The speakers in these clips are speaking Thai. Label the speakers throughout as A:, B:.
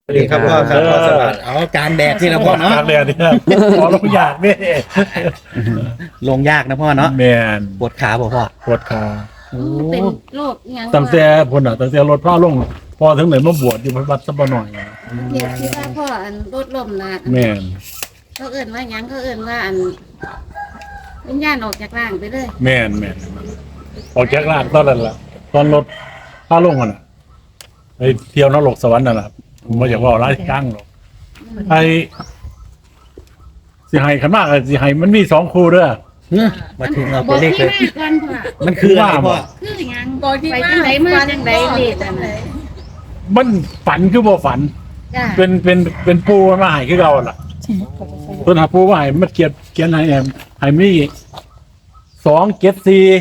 A: สวัสดีครับพ่อครับพ่อสวัสดิ์เอากลางแดดที่นะพ่อเนาะ
B: กลางแดดเนี่ยพอลงยากเนี่ย
A: ลงยากนะพ่อเนาะ
B: แมน
A: ปวดขาบ่พ่อ
B: ปวดขา
A: โอ้
C: เป็นโรคอิหยัง
B: ตั้งแต่พุ่นอ่ะตั้งแต่รถพาลงพอถึงไหนมาบวชอยู่วัดสัปหน่อย
C: เดี๋ยวที่ว่าพ่ออันรถล้มนะ
B: แมน
C: เขาเอื่นว่าหยังเขาเอื่นว่าอันวิญญาณออกจากร่างไปเลย
B: แมนออกจากร่างตอนนั้นล่ะตอนรถพาลงกันอ่ะไปเที่ยวนรกสวรรค์นั่นแหละผมไม่อยากว่าร้ายกลางหรอกไอ้สิไห้ขันมากเลยสิไห้มันมี2คู่เด้อ
A: มาถึงเอา
C: บ
A: ตั
C: อ
A: ว
C: ก
A: เลข
C: ที่
A: เลย
C: มาก่อนพ่อ
A: มันคืออะไรพ่อ
C: คือหยัง
D: บอกที่
C: ไป
D: มา
C: จังไดมาจังไดเลขอันนั้น
B: มันฝันคือบ่ฝัน
C: จ้า
B: เป็นปูมันมาใหายคือเราล่ะต้นหาปูมาใหายมันเขียนให้ใหายมี274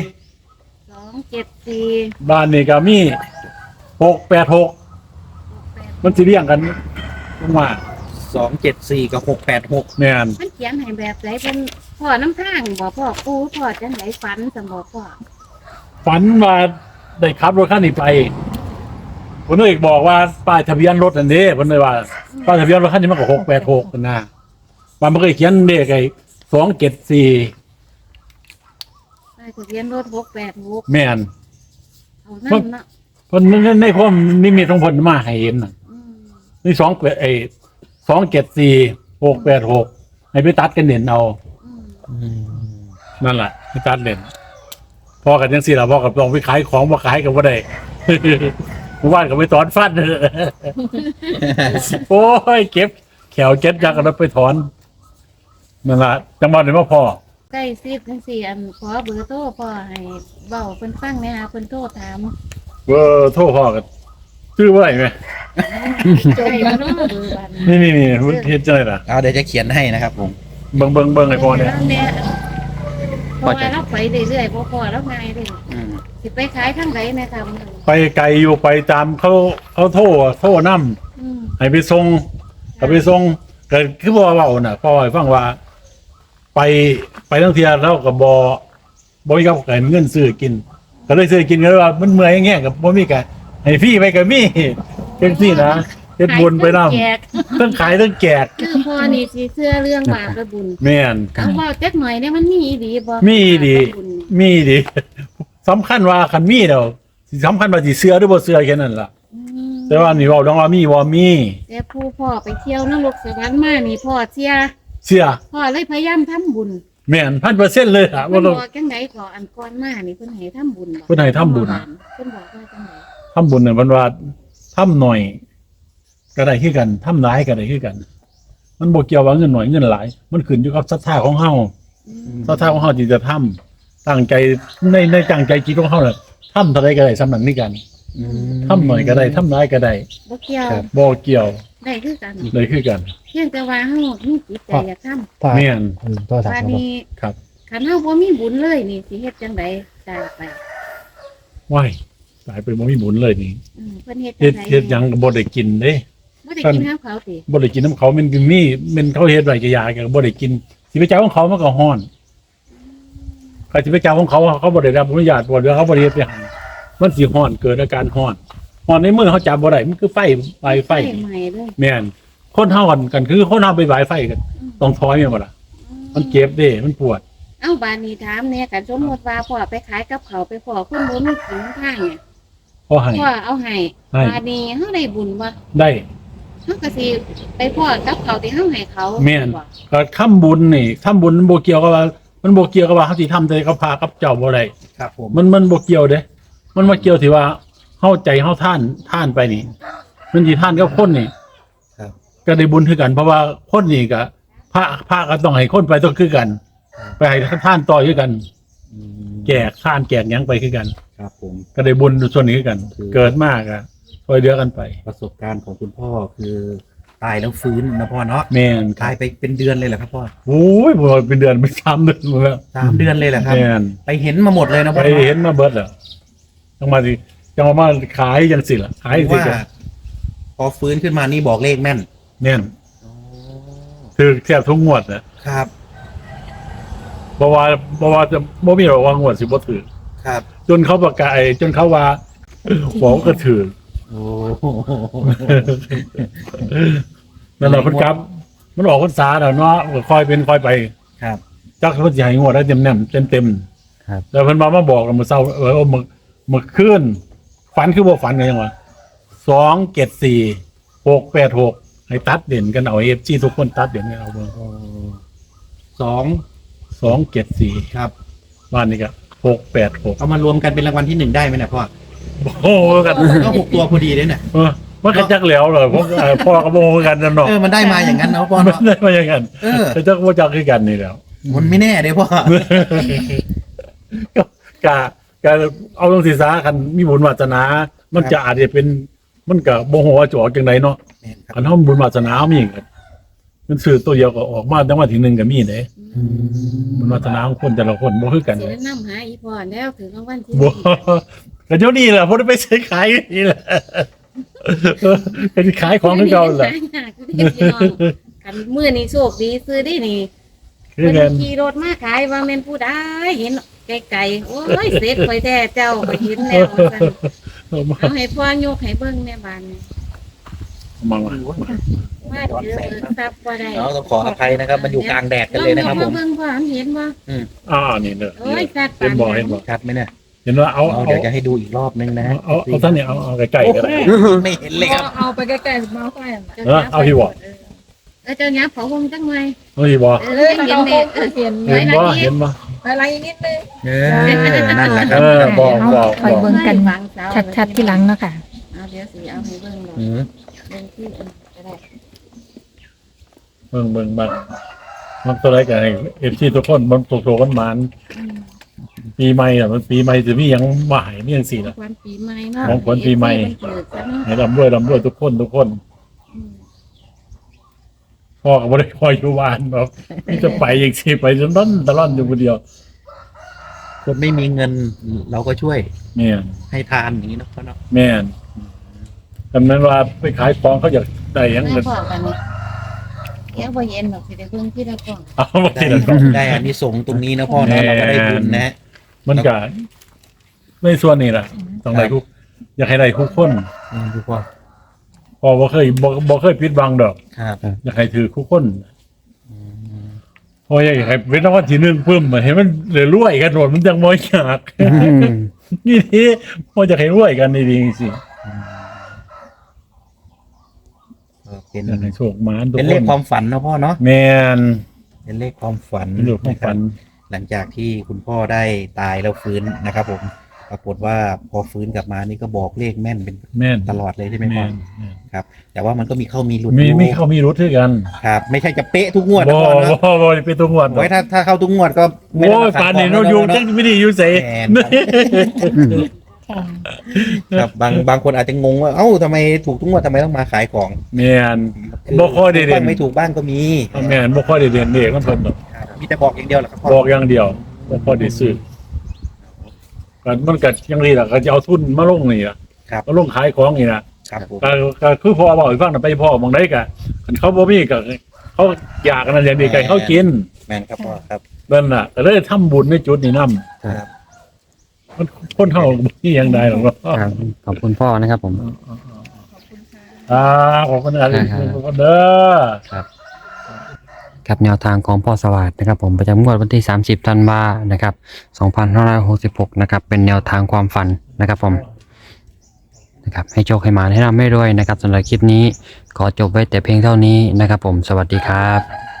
C: 274
B: บ้านนี่ก็มี686มันสิเรียงกันลงมา
A: 274กับ686
B: แม่น
C: มันเขียนให้แบบไหนเป็นพ่อน้ำทางบอกพ่อปูพ่อจังไดฝันสมบอกพ่อ
B: ฝันว่าได้ขับรถคันนี้ไปคนนึกบอกว่าป้ายทะเบียนรถอันนี้เพิ่นเลยว่าป้ายทะเบียนรถคันนี้มันก็686กันนะมันบ่เคยเขียนเลขไอ้274
C: ไปทะเบียนรถ686
B: แม่น
C: เอานั่นเนาะ
B: เพิ่นในความนิมิตของเพิ่นมาให้เห็นน่ะ
C: อืม
B: นี่274 686ให้ไปตัดกันเด่นเอา
C: อืม
B: นั่นแหละไปตัดเด่นพอกันจังซี่ล่ะพอกับลองไปขายของบ่ขายก็บ่ได้ หมู่บ้านก็ไปถอนฟัน โอ้ยเก็บแขวเจ็ดจักกันแล้วไปถอนนั่นล่ะจังหวัดไหนมาพอ
C: ใกล้สิบจังสี่อันขอเบอร์โทรพ่อให้เว้าเพิ่นฟังแหน่หาเพิ่นโทรถาม
B: เบอร์โทรพ่อกันชื่อว่าอะไรไหม
C: ใกล้บ่เนาะเบอร์บัด
B: นี่เฮ็ดจังไดล่ะ
A: เอาเดี๋ยวจะเขียนให้นะครับผม
B: เบิ่งให้พ่อเนี่ย
C: เพราะว่าเราไปเรื่อยๆพ่อเราง่ายเด้
A: อืม
C: สิไปขายทางไหนแม่ครับ
B: ไปไกลอยู่ไปตามเขาโทรนำ
C: อืม
B: ให้ไปส่งก็ไปส่งก็คือบ่เว้าน่ะพ่อให้ฟังว่า ไปทั้งเที่ยแล้วก็บ่มีกับเงินซื้อกิน ก็เลยซื้อกินก็เลยว่ามันเมื่อยแง่กับบ่มีกันให้ฟรีไปก็มีจังซี่นะเฮ็ดบุญไปนำ
C: แจก
B: ทั้งขายทั้งแจก
C: คือพ่อนี่สิเชื่อเรื่องบาปและบุญ
B: แม่น
C: เอาเว้าจักหน่อยเนี่ยมันมีดีบ่
B: มีดี
C: บาปและบุญนี่
B: มีดีสำคัญว่าคันมีแล้วสิสำคัญว่าสิเชื่อหรือบ่เชื่อแค่นั้นล่ะ
C: อืม
B: แต่ว่านี่เว้าดองว่ามีบ่มี
C: แต่ผู้พ่อไปเที่ยวนรกสวรรค์มานี่พ่อเสีย
B: เชื่อ
C: พ่อเลยพยายามทำบุญ
B: แม่น 1,000% เลยล่ะ
C: เพิ่
B: ว่าน ต้อง
C: บอกจังไดก่ออันก่อนมานี่เพิ่นให้ทำบุญบ่
B: เพิ่นให้ทำบุญ
C: เพิ่นบอกว่าจังได
B: ทำบุญเนี่ยมันว่าทำหน่อยก็ได้คือกันทำหลายก็ได้คือกัน มันบ่เกี่ยวว่าเงินหน่อยเงินหลาย มันขึ้นอยู่กับศรัทธาของเฮา
C: อืม
B: ศรัทธาของเฮาที่จะทำตั้งใจในตั้งใจจิตของเฮาน่ะทำเท่าใดก็ได้สำนั้นนี่กัน
A: อืม
B: ทำหน่อยก็ได้ทำหลายก็ได้
C: บ่เกี่ยว
B: บ่เกี่ยว
C: ได้คือกัน
B: ได้คือกัน
C: เพียงแต่ว่าเฮามีจิตใจอยากทำ
E: พ่อ
B: แม่น
E: โทรศัพท์
C: ว่า
E: ครับ
C: นี้
B: ครับ
C: คันเฮาบ่มีบุญเลยนี่สิเฮ็ดจังไดตายไป
B: ว้ายตายไปบ่มีบุญเลยนี่
C: เพิ่นเฮ็ด
B: เฮ็ด
C: จังได
B: เฮ็ดหยังก็บ่ได้กินเด้
C: บ่ได้กินข้าวเขาติ
B: บ่ได้กินน้ำเขามันก็มีมันเขาเฮ็ดไว้ก็ยาก็บ่ได้กินสิไปเจ้าของเขามันก็ฮ้อนใครสิไปเจ้าของเขาบ่ได้รับอนุญาตบ่ได้เขาบ่ได้เฮ็ดให้มันสิฮ้อนเกิดอาการฮ้อนฮ้อนในมือเขาจับบ่ได้มันคือไฟไฟ
C: ใหม่เลย
B: แม่นคนเฮากันคือคนเฮาไปไหวไฟกันต้องถอยแม่นบ่ล่ะมันเจ็บเด้มันปวด
C: เอ้าบานนี้ถามแหน่คันสมมุติว่าพ่อไปขายกับเขาวไปพ่อคนบ่มีกินทางเนี่ย
B: พอให้
C: พ่อเอาให้
B: ให้
C: บานนี้เฮาได้บุญบ่
B: ได้
C: เฮาก็สิไปพ่อกับเขาวที่เฮาให้เขา
B: แม่น
C: บ่
B: ก็ทำบุญนี่ทำบุญมันบ่เกี่ยวกับว่ามันบ่เกี่ยวกับว่าเฮาสิทำแต่กับพากับเจ้าบ่ได้
A: ครับผม
B: มันบ่เกี่ยวเด้ มันมาเกี่ยวที่ว่าเฮาใจเฮาท่านไปนี่ มันสิท่านกับคนนี่
A: ครับ
B: ก็ได้บุญคือกัน เพราะว่าคนนี่ก็พระก็ต้องให้คนไปต้องคือกัน ไปให้ท่านต่อคือกัน
A: อืม
B: แจกท่านแจกหยังไปคือกัน
A: ครับผม
B: ก็ได้บุญส่วนนี้คือกัน เกิดมากอ่ะช่วยเหลือกันไป
A: ประสบการณ์ของคุณพ่อคือตายแล้วฟื้นนะพ่อเนาะ
B: แม่นครั
A: ตา
B: บ
A: ยไปเป็นเดือนเลยเหรอครับพ่อ
B: โอ้ยบ่เป็นเดือนเป็น3 เดือนหมดแล้ว
A: 3 เดือนเลยเหรอครับ
B: แม่น
A: ไปเห็นมาหมดเลยนะ
B: ไป
A: พ่อ
B: เห็นมาเบิดแล้วจังมาสิจังมาขายจังสิล่ะขายสิ
A: ว่า
B: จ้ะ
A: พอฟื้นขึ้นมานี่บอกเลขแม่น
B: แม่นคือแทบทุกงวดน่ะ
A: ครับ
B: บ่ว่าจะบ่มีหรอกว่างวดสิบ่ถือ
A: ครับ
B: จนเขาประกาศจนเขาว่าบอกก็ถือ
A: อโอ้
B: นั่นแหละเพิ่นครับมันออกพรรษาแล้วเนาะก็ค่อยเป็นค่อยไป
A: ครับ
B: จักเพิ่นสิให้งวดได้เต็ม
A: ครับ
B: แล้วเพิ่นมาบอกแล้วมื้อเช้ามื้อคืนฝันคือบ่ฝันกันยังวะ274 686ให้ตัดเด่นกันเอา FG ทุกคนตัดเด่นกันเอาเบิ่ง
A: โอ้สอง
B: 274
A: ครับ
B: บ้านนี้ก็686
A: เอามารวมกันเป็นรางวัลที่หนึ่งได้ไหมเนี่ยพ่อ
B: โอ้โหกัน
A: ก็6 ตัวพอดีเลยเนี่ย
B: มันก็จักแล้วเลยพวกพ่อกับโมกันนั่นเนาะ
A: มันได้มาอย่างนั้นเนาะพ่อ
B: มัน
A: เนาะ
B: ได้มาอย่างนั้น แต่จักว่าจักคือกันนี่แล้ว
A: มันไม่แน่เลยพ่อ
B: กะเอาตรงศีรษะคันมีบุญวาสนา มันจะอาจจะเป็นมันก็บ่ฮู้ว่าจะออกจังไดเนาะ
A: แม่นครับ
B: คันเฮาบุญวาสนามีก็มันซื้อตัวเดียวก็ออกมาจังว่าที่หนึ่งก็มีเด้บุญวาสนาของคนแต่ละคนบ่คือกัน
C: สิ
B: เด้
C: ได้นำหาอีพ่อแล้วถึงรางวัลที่
B: บ่ก็เดี๋ยวนี้แหละบ่ได้ไปซื้อขายนี่แหละเป็นขายของคือเก่าแหละ
C: กันมื้อนี้โชคดีซื้อได้นี่
B: คือ
C: เพิ่
B: กัน
C: นขี่รถมาขายว่าแม่นผู้ใดเห็นไกลๆโอ้ยเสร็จข่อยแท้เจ้าข่อยเห็นแล้วว่าซั่นเอาให้พ่อยกให้เบิ่งแม่บ้านนี่
B: มา
C: ว่าเจอทรัพย์บ่ได้
A: ต้องขออภัยนะครับ มันอยู่กลางแดดกันเลยนะครับผม
C: เบิ่งพ่อเห็นบ่
B: นี่เด้อ
C: โอ้ยสัตว์
B: เห็นบ่เห็นบ่
A: ชัดไหมเนี่ย
B: เห็นว่าเอา
A: เดี๋ยวจะให้ดูอีกรอบนึงนะ
B: เอาท่านเนี่ยเอาไก่ๆก็ได้
A: ไม่เห็นเลยครับ
D: เอาไปใกล้ๆมาไฟน่ะ
B: เอาพี่บ่
C: เจ้าหยับเขาคงจังไง
B: เอาพี่บ่
C: เห็น
D: เรา
C: แน่
D: เห็น
B: เห็นบ่เห็นบ่
D: อะไรนิดนึง
A: นั่นแหละครับ
B: บอก
D: คอยเบิ่งกันชัดๆที่หลังเนาะค่ะ
C: เอาเดี๋ยวสิเอาให้เบิ่งดอกเบิ่งที่ก็ได้
B: เบิ่งมันตัวไรกันเอฟซีทุกคนมันโตกันมานปีใหม่อ่ะมันปีใหม่จะมียังมาหายมียังสี่ละ
C: วันปีใหม่เนาะ
B: ของขวัญปีใหม่
C: เกิดซะเนาะ
B: ให้ร่ำรวยทุกคนพ่อก็บ่ได้คอยอยู่บ้านหรอกนี่จะไปอย่างสิไปจนตลอดอยู่คนเดียว
A: คนไม่มีเงินเราก็ช่วย
B: แม่น
A: ให้ทานอย่างนี้นะพ่อเนาะ
B: แม่นแต่นั้นว่าไปขายของเขาอยากได้หยัง
C: แม่
B: เงิน
C: พ่อกันนี่แก้วบ่เย็นดอกสิได้เบิ่งที่ละกล่อง
B: เอาบาง
A: ได้
B: ทีละก็
A: ได้อันนี้ส่งส์ตรงนี้นะพ่อเนาะเราก็ได้บุญนะ
B: มันก็ในส่วนนี้แหละต้องได้ทุกอยากให้ได้ทุกคน
A: ดูพ่อ
B: พอบ่เคยปิดบังดอก
A: ครับ
B: อยากให้ถือทุกคนพออยากให้เป็นรางวัลที่หนึ่งเพิ่มมาให้มันเหลือรวยกันหมดมันจังบ่อยากนี่ที่พอจะให้รวยกันดีๆสิ
A: เป็น
B: อยากให้โชคหมานทุก
A: เป็น
B: ค
A: เลข
B: น
A: ความฝันนะพ่อเนาะ
B: แม่น
A: เป็นเลขความฝัน
B: เป็นเรื่องของฝัน
A: หลังจากที่คุณพ่อได้ตายแล้วฟื้นนะครับผมปรากฏว่าพอฟื้นกลับมานี่ก็บอกเลขแม่นเป็น
B: แม่น
A: ตลอดเลยใช่ไหมพ่
B: แม่
A: อน ครับ แต่ว่ามันก็มีเข้ามีหลุด
B: มี
A: อยู่
B: เขามีรถด้วยกัน
A: ครับ ไม่ใช่จะเป๊ะทุกงวด
B: บ่
A: นะพ่อเนาะ
B: บ่เป็นตัวงวด
A: ไว้ถ้าเข้าทุกงวดก็ไม่
B: โอ้
A: ได้
B: ย
A: มาข
B: ป่าน
A: ข
B: นี้
A: ง
B: เราอยู่
A: แล้ว
B: จัง
A: เนาะ
B: ไม่ได้อยู่เส
A: แม่นครับบางคนอาจจะงงว่าเอ้าทำไมถูกทุกงวดทำไมต้องมาขายของ
B: แม่นบ่ค่อยได้เด่
A: บ้าน งไม่ถูกบ้างก็มี
B: แม่นบ่ค่อยได้เด่นเด็กมันเพิ่นดอก
A: ครับมีแต่บอกอย่างเดียวแหละครับพ่อ
B: บอกอย่างเดียวบ่ค่อยได้ซื้อกันมันก็ยังดีล่ะก็จะเอาทุนมาลงนี่ล่ะ
A: ครับ
B: มาลงขายของนี่นะครับ
A: ผม
B: ก็คือพ่อบอกให้ฟังน่ะไปพ่อมองได้ก็คันเขาบ่มีก็เขาอยากกันอย่างดีก็ให้เขากิน
A: แม่นครับพ่อครับ
B: นั่นน่ะก็เลยทำบุญในจุดนี้นำ
A: ครับ
B: มันคนเฮาบ่มีหยังได้หรอกเนาะ
E: ครับขอบคุณพ่อนะครับผม
B: ขอบคุณครับ
E: ครับ
B: ขอบคุณเด้อ
E: ครับแนวทางของพ่อสวัสดนะครับผมประจำงวดวันที่ 30 ธันวานะครับ2566นะครับเป็นแนวทางความฝันนะครับผมนะครับให้โชคให้มาให้ร่ำให้รวยนะครับสำหรับคลิปนี้ขอจบไว้แต่เพียงเท่านี้นะครับผมสวัสดีครับ